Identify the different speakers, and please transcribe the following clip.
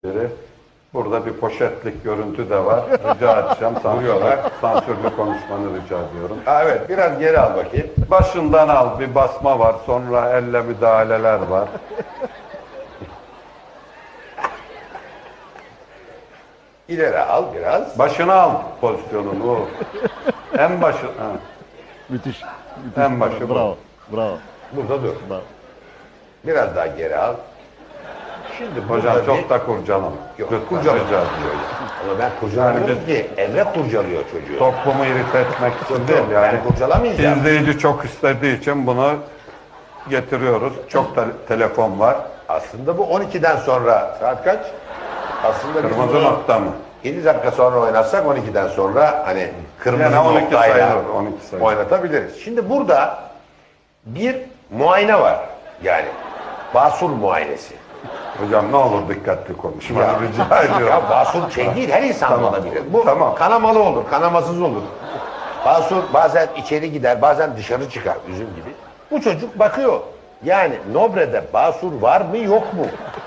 Speaker 1: Burada bir poşetlik görüntü de var. Rica edeceğim. Sansürlü konuşmanı rica ediyorum.
Speaker 2: Ha, evet, biraz geri al bakayım.
Speaker 1: Başından al. Bir basma var. Sonra elle müdahaleler var.
Speaker 2: İleri al biraz.
Speaker 1: Başına al pozisyonunu. O. En başı. Ha.
Speaker 3: Müthiş.
Speaker 1: En başı bu.
Speaker 3: Bravo. Bravo.
Speaker 2: Burada dur.
Speaker 3: Bravo.
Speaker 2: Biraz daha geri al. Şimdi
Speaker 1: Hocam
Speaker 2: burada
Speaker 1: çok da kurcalama.
Speaker 2: Yok,
Speaker 1: Lütfen
Speaker 2: kurcalama.
Speaker 1: rica ediyorum.
Speaker 2: Ama ben kurcalamıyorum
Speaker 1: Yani
Speaker 2: ki. Emre kurcalıyor çocuğu.
Speaker 1: Toplumu irite etmek için değil yani.
Speaker 2: Ben kurcalamayacağım.
Speaker 1: İzleyici çok istediği için bunu getiriyoruz. Çok da telefon var.
Speaker 2: Aslında bu 12'den sonra. Saat kaç? Aslında biz
Speaker 1: Kırmızı
Speaker 2: bunu
Speaker 1: nokta mı?
Speaker 2: 7 dakika sonra oynatsak 12'den sonra hani kırmızı
Speaker 1: Yani 12
Speaker 2: noktayla
Speaker 1: sayılır, 12 sayılır.
Speaker 2: oynatabiliriz. Şimdi burada bir muayene var. Yani basur muayenesi.
Speaker 1: Hocam ne olur dikkatli konuşma.
Speaker 2: Ya,
Speaker 1: Rica ediyorum.
Speaker 2: ya basur şey değil, her insan
Speaker 1: Tamam.
Speaker 2: olabilir. Bu
Speaker 1: Tamam.
Speaker 2: kanamalı olur, kanamasız olur. Basur bazen içeri gider, bazen dışarı çıkar, üzüm gibi. Bu çocuk bakıyor. Yani Nobre'de basur var mı yok mu?